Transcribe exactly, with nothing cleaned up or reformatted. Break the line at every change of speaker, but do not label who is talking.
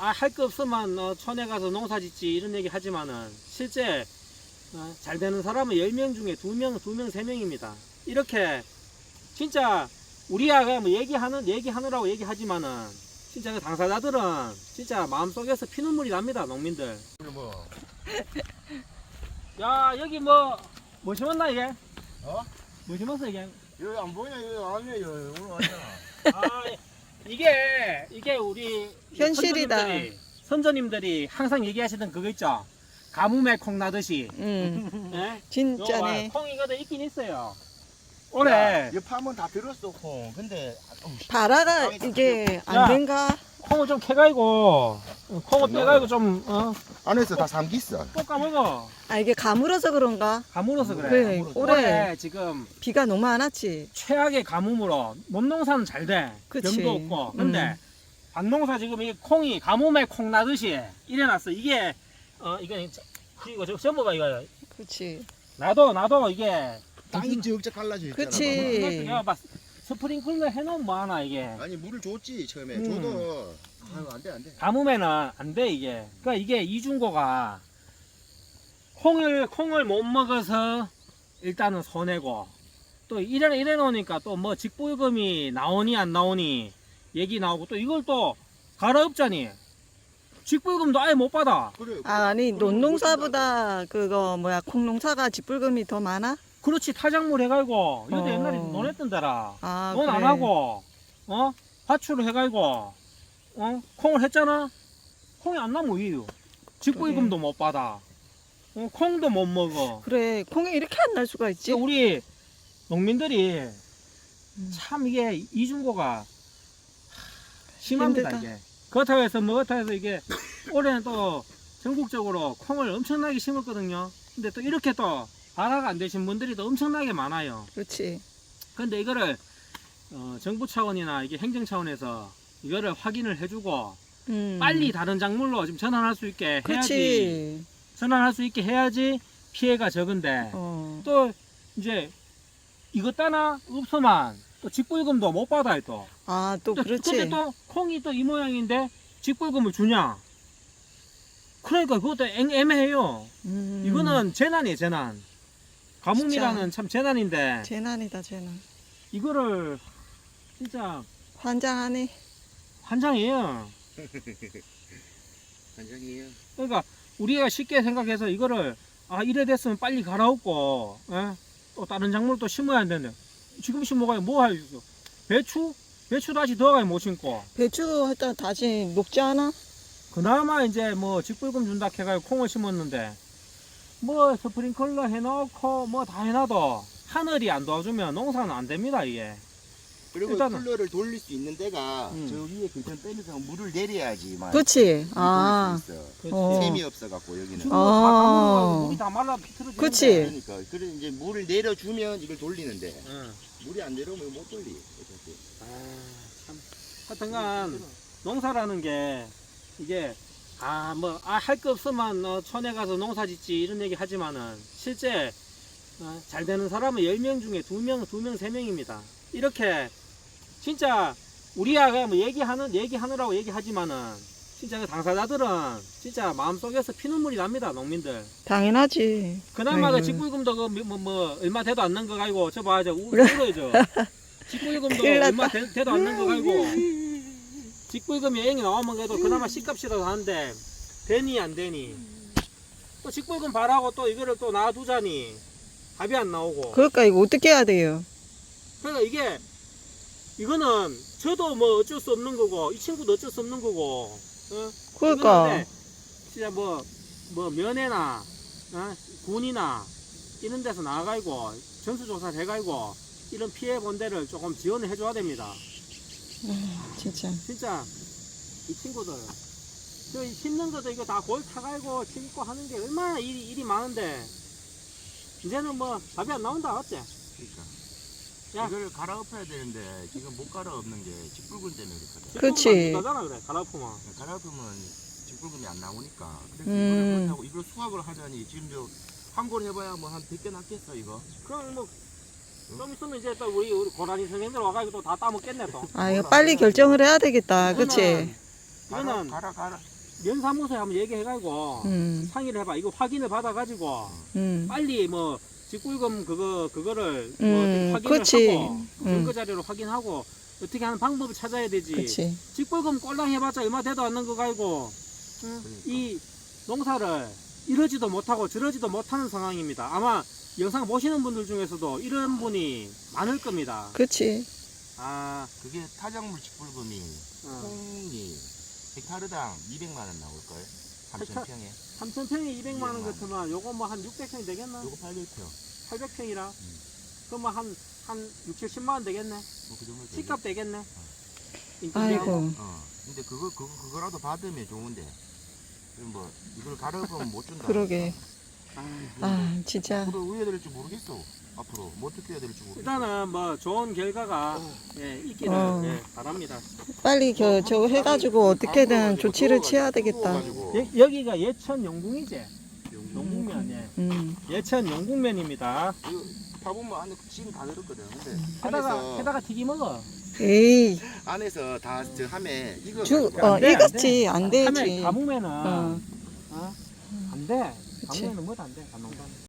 아, 할 거 없으면 어, 촌에 가서 농사 짓지 이런 얘기 하지만은 실제 어, 잘 되는 사람은 열 명 중에 두 명, 두 명, 세 명입니다. 이렇게 진짜 우리가 뭐 얘기하는 얘기하느라고 얘기하지만은 진짜 그 당사자들은 진짜 마음속에서 피눈물이 납니다. 농민들.
뭐.
야, 여기 뭐 뭐 심었나 이게?
어?
뭐 심었어 이게?
여기 안 보이냐? 여기 아니야. 여기 오늘 왔잖아.
아, 이게 이게 우리
현실이다.
선조님들이, 선조님들이 항상 얘기하시던 그거 있죠. 가뭄에 콩 나듯이.
응,
예?
진짜네.
콩 이거도 있긴 있어요.
야,
올해
이 파면 다 들었어 콩. 근데 어우, 씨.
바라가 이게
야.
안 된가?
콩을 좀 캐가지고 콩을 빼가지고 좀 어,
안에서 다 삼기 있어.
볶아 먹어.
아 이게 가물어서 그런가?
가물어서 그래.
그래,
가물어서.
올해
올해 지금
비가 너무 안 왔지.
최악의 가뭄으로 논농사는 잘 돼.
그치.
병도 없고. 근데
음.
밭농사 지금 이 콩이 가뭄에 콩 나듯이 일어났어. 이게 어 이거 이거 저 전부 봐 이거.
그렇지.
나도 나도 이게
땅이 쭉쭉 갈라져 있잖아.
그치.
이것도 내가 봐 스프링클러 해놓으면 뭐 하나 이게.
아니 물을 줬지 처음에.
음.
줘도 아유 안돼 안돼.
가뭄에는 안 돼 이게. 그러니까 이게 이중고가 콩을 콩을 못 먹어서 일단은 손해고 또 이래 이래 놓으니까 또 뭐 직불금이 나오니 안 나오니 얘기 나오고 또 이걸 또 갈아엎자니 직불금도 아예 못 받아.
그래.
아, 아니
그래,
논농사보다 그거 뭐야 콩농사가 직불금이 더 많아?
그렇지 타작물 해가지고 이것도
어.
옛날에 논했던 데라
아
논 안
그래.
하고 어 화출을 해가지고 어 콩을 했잖아. 콩이 안 나면 이유 직불금도 못 받아. 어, 콩도 못 먹어.
그래 콩이 이렇게 안 날 수가 있지?
그러니까 우리 농민들이
음.
참 이게 이중고가 심합니다.
힘들다.
이게 그렇다고 해서 뭐 그렇다고 해서 이게 올해는 또 전국적으로 콩을 엄청나게 심었거든요. 근데 또 이렇게 또 발화가 안 되신 분들이 또 엄청나게 많아요.
그렇지.
근데 이거를 어, 정부 차원이나 이게 행정 차원에서 이거를 확인을 해주고
음.
빨리 다른 작물로 좀 전환할 수 있게 해야지.
그렇지.
전환할 수 있게 해야지 피해가 적은데
어.
또 이제 이것 따나 없어만 또 직불금도 못 받아요 또.
아 또
또
그렇지.
근데 또 콩이 또 이 모양인데 직불금을 주냐? 그러니까 그것도 애, 애매해요.
음.
이거는 재난이에요 재난. 가뭄이라는 참 재난인데
재난이다 재난.
이거를 진짜
환장하네.
환장이에요.
반장이에요.
그러니까 우리가 쉽게 생각해서 이거를 아 이래 됐으면 빨리 갈아엎고 에? 또 다른 작물 또 심어야 되는데 지금 심어가야 뭐 할 수 있어? 배추? 배추 다시 더 가야 못 심고
배추 일단 다시 녹지 않아?
그나마 이제 뭐 직불금 준다 해가지고 콩을 심었는데 뭐 스프링클러 해놓고 뭐 다 해놔도 하늘이 안 도와주면 농사는 안 됩니다 이게.
그리고
일단은-
쿨러를 돌릴 수 있는 데가
음.
저 위에 글전 빼면서 물을 내려야지만.
그렇지.
돌릴
아.
수 있어.
그렇지.
어.
셈이 없어갖고 여기는.
지금
아.
다 가물어가지고 물이 다 말라 비틀어지는데.
그치.
그러니까 그래 이제 물을 내려주면 이걸 돌리는데
응.
물이 안 내려오면 못 돌리. 어차피.
아, 참. 하여튼간 농사라는 게 이게 아 뭐 아 할 거 없으면 어, 촌에 가서 농사 짓지 이런 얘기 하지만은 실제 어, 잘 되는 사람은 열 명 중에 두 명, 두 명, 세 명입니다. 이렇게 진짜 우리가 뭐 얘기하는 얘기하느라고 얘기하지만은 진짜 그 당사자들은 진짜 마음속에서 피눈물이 납니다. 농민들.
당연하지.
그나마
아이고.
그 직불금도 그 뭐 뭐 얼마 돼도 않는 거 가지고 저 봐, 저 울어요 저. 직불금도
큰일 났다.
얼마 돼, 돼도 않는 거 가지고 직불금이 여행이 나오면 그래도 그나마 씨값이라도 하는데 되니 안 되니 또 직불금 바라고 또 이거를 또 놔두자니 답이 안 나오고.
그러니까 이거 어떻게 해야 돼요?
그러니까 이게 이거는 저도 뭐 어쩔 수 없는 거고 이 친구도 어쩔 수 없는 거고. 어?
그러니까.
이거는 진짜 뭐, 뭐 면회나 어? 군이나 이런 데서 나가가지고 전수조사를 해가지고 이런 피해 본 데를 조금 지원을 해줘야 됩니다.
진짜.
진짜 이 친구들 저 심는 것도 이거 다 골 타가지고 심고 하는 게 얼마나 일이, 일이 많은데 이제는 뭐 답이 안 나온다 어째?
그러니까.
야.
이걸 갈아엎어야 되는데 지금 못 갈아엎는 게 직불금 때문에 그렇거든.
그치.
나잖아 그래 갈아엎으면.
갈아엎으면 직불금이 안 나오니까. 그래서
음.
이거를 그렇다고 이걸 수확을 하자니 지금 저 환골 해봐야 뭐 한 백 개 났겠어 이거.
그럼 뭐 좀 있으면 이제 또 우리 우리 고라니 선생님들 와가지고 또 다 따먹겠네 또.
아 이거 빨리 결정을 해야 되겠다. 그치?
가라
이거는
가라 가라.
면사무소에 한번 얘기해가지고
음,
상의를 해봐. 이거 확인을 받아가지고
음,
빨리 뭐 직불금 그거 그거를
음,
뭐 확인을
그치.
하고
음.
증거 자료를 확인하고 어떻게 하는 방법을 찾아야 되지.
그치.
직불금 꼴랑 해봤자 얼마 되도 않는 거 가지고 응?
그러니까.
이 농사를 이러지도 못하고 저러지도 못하는 상황입니다. 아마 영상 보시는 분들 중에서도 이런 분이 많을 겁니다.
그치.
아,
그게 타작물 직불금이
어.
콩이 헥타르당 이백만 원 나올걸? 삼천 평에.
삼천 평에 이백만 원
이백만 원.
같으면 요거 뭐 한 육백 평이 되겠나?
요거 팔백 평.
팔백 평이라?
음.
그러면 한, 한 육, 칠십만 원 되겠네?
뭐그 정도 되겠-
집값 되겠네?
아이고.
어. 근데 그거 그거 그거라도 받으면 좋은데. 그럼 뭐 이걸 가려면 못 준다.
그러게.
아,
아, 진짜.
앞으로 어떻게 해야 될지 모르겠어. 앞으로 뭐 어떻게 해야 될지 모르겠어.
일단은 뭐 좋은 결과가 예, 있기를
어.
예, 바랍니다.
빨리 겨, 저거 해가지고 어떻게든 조치를 취해야 되겠다.
여, 여기가 예천 영궁이지? 영궁면, 예.
음,
예천 영궁면입니다.
이거 파보면 안에 찜 다 들었거든. 근데
해다가,
안에서
해다가 튀기 먹어.
에이,
안에서 다 저 함에 이거
주,
가지고
어,
안 돼, 안
익었지. 안
하면
되지.
가무면은,
어,
어? 안 돼.
그치.
가무면은 뭐도 안 돼, 감농사는.